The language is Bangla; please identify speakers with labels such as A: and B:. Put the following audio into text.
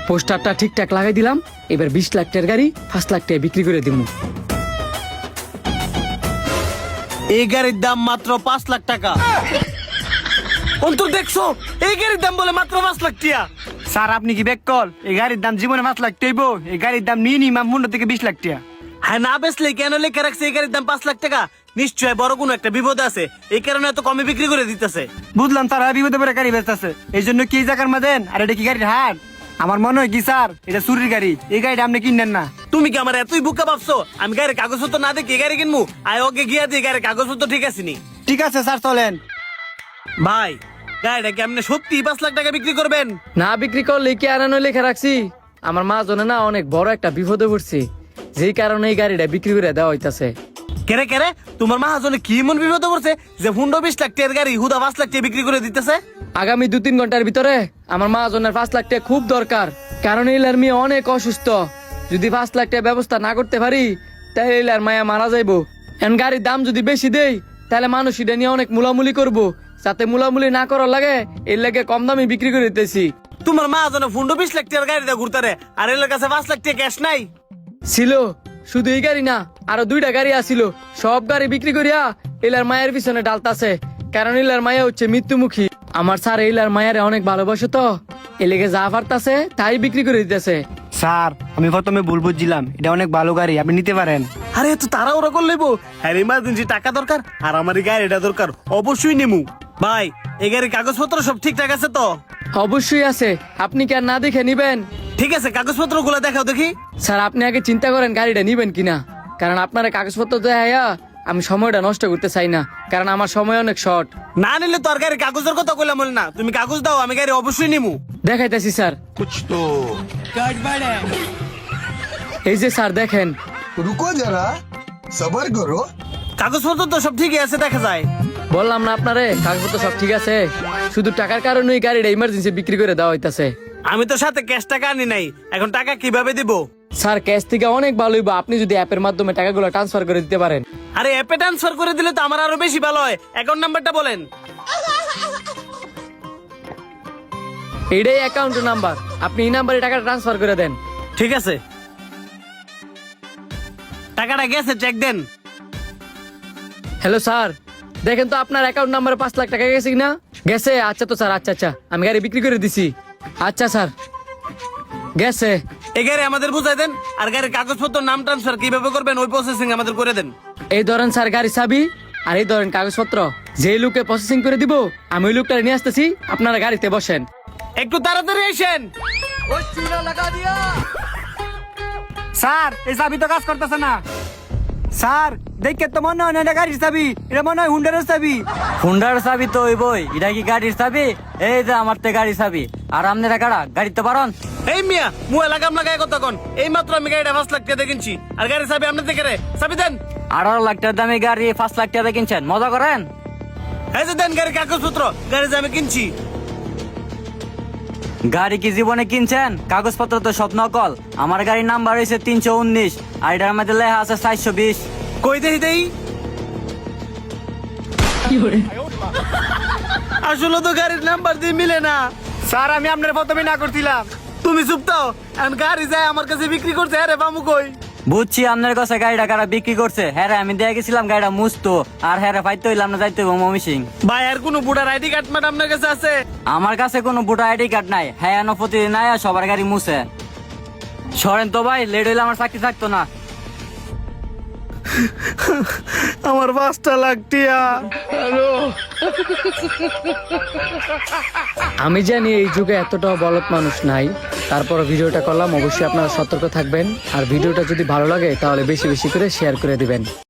A: পোস্টারটা ঠিকঠাক লাগাই দিলাম। এবার 20 লাখ টাকার গাড়ি 5 লাখ টাকা বিক্রি করে দিব।
B: এই গাড়ির দাম মাত্র 5 লাখ টাকা। অন্তর দেখছো, এই গাড়ির দাম বলে মাত্র 5 লাখ টাকা।
C: স্যার আপনি কি বেকল? এই গাড়ির দাম জীবনে 5 লাখ টাইব। এই গাড়ির দাম মিনিমাম 15 থেকে 20 লাখ টাকা।
B: হ্যাঁ, না বেচলে কেন লেখা রাখছে এই গাড়ির দাম 5 লাখ টাকা? নিশ্চয় বড় কোনো একটা বিপদ আছে, এই কারণে এত কমে বিক্রি করে দিতেছে।
C: বুঝলাম স্যার, বিপদে পরে গাড়ি বেচতেছে, এই জন্য কি জায়গার মাদেন? আর এটা কি গাড়ির হাট? আমার মনে হয় কি স্যার এটা চুরির গাড়ি। এই গাড়িটা আপনি কিনেন না।
B: তুমি কি আমার এতই বুকা ভাবছো আমি গাড়ির কাগজপত্র না দেখে এই গাড়ি কিনবো? আয় ওকে গিয়া দিয়ে গাড়ির কাগজপত্র ঠিক আছে নি?
C: ঠিক আছে স্যার চলেন।
B: ভাই, গাড়িটা কি আপনি সত্যি 5 লাখ টাকা বিক্রি করবেন?
A: না বিক্রি করলে কি আনানো লেখা রাখছি। আমার মা জনে না অনেক বড় একটা বিপদে পড়ছে, যেই কারণে এই গাড়িটা বিক্রি করে দেওয়া হইতাছে।
B: কেরে কেরে তোমার মাহাজনে কি এমন বিপদ করছে যে 15-20 লাখ টাকার গাড়ি হুদা 5 লাখ টাকা বিক্রি করে দিতেছে?
A: আগামী 2-3 ঘন্টার ভিতরে আমার মা জনের 5 লাখ টাকা খুব দরকার, কারণ এইলার মেয়ে অনেক অসুস্থ। যদি 5 লাখ টাকা ব্যবস্থা না করতে পারি তাহলে এইলার মায়া মারা যাইবো। এখন গাড়ির দাম যদি বেশি দেই তাহলে মানুষ এটা নিয়ে অনেক মুলামুলি করবো। যাতে মুলামুলি না করার লাগে এর লাগে কম দামে বিক্রি করে দিতেছি।
B: তোমার মাহাজনে 15-20 লাখ টাকার গাড়িটা ঘুরতারে, আর এর কাছে 5 লাখ টাকা ক্যাশ নাই।
A: ছিল শুধু এই গাড়ি না, আরো 2টা গাড়ি আসিল। সব গাড়ি বিক্রি করিয়া এলার মায়ের পিছনে ডালতাছে, কারণ এলার মায়া হচ্ছে মৃত্যুমুখী। আমার স্যার এলার মায়ারে অনেক ভালোবাসে, তো এলেগে যা পারতাছে তাই বিক্রি করে দিতেছে।
C: স্যার আমি প্রথমে ভুল বুঝছিলাম, এটা অনেক ভালো গাড়ি, আপনি নিতে পারেন।
B: আরে এত তারা ওরা করে লইবো? হ্যাঁ, ইমার্জেন্সি টাকা দরকার আর আমার এই গাড়িটা দরকার, অবশ্যই নেমু। ভাই, এই গাড়ির কাগজপত্র সব ঠিকঠাক আছে তো?
A: অবশ্যই আছে, আপনি কি আর না দেখে নিবেন?
B: ঠিক আছে, কাগজপত্র গুলো দেখাও দেখি।
A: স্যার আপনি আগে চিন্তা করেন গাড়িটা নিবেন কিনা, কারণ আপনার কাগজপত্র দেখাইয়া আমি সময়টা নষ্ট করতে চাই না, কারণ আমার সময় অনেক শর্ট।
B: না নিলে তো আর গাড়ির কাগজের কথা কইলাম না। তুমি কাগজ দাও, আমি গাড়ি অবশ্যই নিমু।
A: দেখাইতেছি স্যার। এই যে স্যার দেখেন।
D: रुको जरा सबर करो।
B: কাগজপত্র তো সব ঠিকই আছে, দেখা যায়।
A: বললাম না আপনারে কাগজপত্র সব ঠিক আছে, শুধু টাকার কারণে এই গাড়িটা ইমার্জেন্সি বিক্রি করে দেওয়া হইতাছে।
B: আমি তো সাথে ক্যাশ টাকা আনি নাই, এখন টাকা কিভাবে দিব?
A: স্যার ক্যাশ থেকে অনেক ভালো হইব আপনি যদি অ্যাপের মাধ্যমে টাকাগুলো ট্রান্সফার করে দিতে পারেন।
B: আরে অ্যাপে ট্রান্সফার করে দিলে তো আমার আরো বেশি ভালো হয়। অ্যাকাউন্ট নাম্বারটা বলেন।
A: এইটাই অ্যাকাউন্ট নাম্বার, আপনি এই নাম্বারে টাকা ট্রান্সফার করে দেন।
B: ঠিক আছে, টাকাটা গেছে, চেক দেন।
A: হ্যালো স্যার, দেখেন তো আপনার অ্যাকাউন্ট নাম্বারে 5 লাখ টাকা গেছে কিনা? গেছে? আচ্ছা তো স্যার, আচ্ছা আচ্ছা, আমি গাড়ি বিক্রি করে দিছি। আচ্ছা স্যার, গেছে।
B: এই গাড়ি আমাদের বুঝাই দেন, আর গাড়ির কাগজপত্র নাম ট্রান্সফার কিভাবে করবেন ওই প্রসেসিং আমাদের করে দেন।
A: এই ধরেন স্যার গাড়ি চাবি, আর এই ধরেন কাগজপত্র। যে লোকে প্রসেসিং করে দিব আমি ওই লোকটা নিয়ে আসতেছি, আপনারা গাড়িতে বসেন।
B: একটু তাড়াতাড়ি আসেন।
C: স্যার এই চাবি তো কাজ করতেছে না। স্যার দেখে তো মনে হয় না এটা গাড়ির চাবি, এটা মনে হয় হুন্ডারের চাবি।
E: হুন্ডার চাবি তো ওই বই, এটা কি গাড়ির চাবি? এই যে আমার তো গাড়ির চাবি, আর আপনারা কারা গাড়ি তো পারন?
B: এই মিয়া, মুয়ে লাগাম লাগায় কথা কোন? এই মাত্র আমি গাড়িটা 5 লাখ টাকা কিনছি, আর গাড়ির চাবি আপনার থেকে রে। চাবি দেন।
E: 18 লাখ টাকার দামে গাড়ি 5 লাখ টাকা কিনছেন, মজা করেন?
B: এই যে দেন গাড়ির কাগজপত্র, গাড়ি যে আমি কিনছি।
E: গাড়ি কি জীবনে কিনছেন? কাগজপত্র তো সব নকল। আমার গাড়ির নাম্বার হয়েছে 319, আর এটার মধ্যে লেখা আছে 420।
B: কই দেই দেই। আসলে তো গাড়ির নাম্বার দিয়ে মিলে না।
C: স্যার আমি আপনার প্রথমে না করছিলাম।
B: তুমি চুপ তো, এখন গাড়ি যায় আমার কাছে বিক্রি করছে। আরে বামু কই?
E: বুঝছি আপনার কাছে গাড়িটা কারা বিক্রি করছে। হ্যাঁ আমি দিয়ে গেছিলাম গাড়িটা মুছতো, আর হ্যাঁ পাইতে হইলাম না, যাইতে হইব মমিসিং।
B: ভাই, আর কোনো বুড়ার আইডি কার্ড ম্যাড আপনার কাছে আছে?
E: আমার কাছে কোনো ভোটার আইডি কার্ড নাই। হ্যাঁ এনো প্রতিদিন নাই সবার গাড়ি মুছে। সরেন তো ভাই, লেট হইলে আমার চাকরি থাকতো না।
B: আমার 5 লাখ টাকা।
A: আমি জানি এই যুগে এতটাও বলদ মানুষ নাই, তারপর ভিডিওটা করলাম। অবশ্যই আপনারা সতর্ক থাকবেন, আর ভিডিওটা যদি ভালো লাগে তাহলে বেশি বেশি করে শেয়ার করে দিবেন।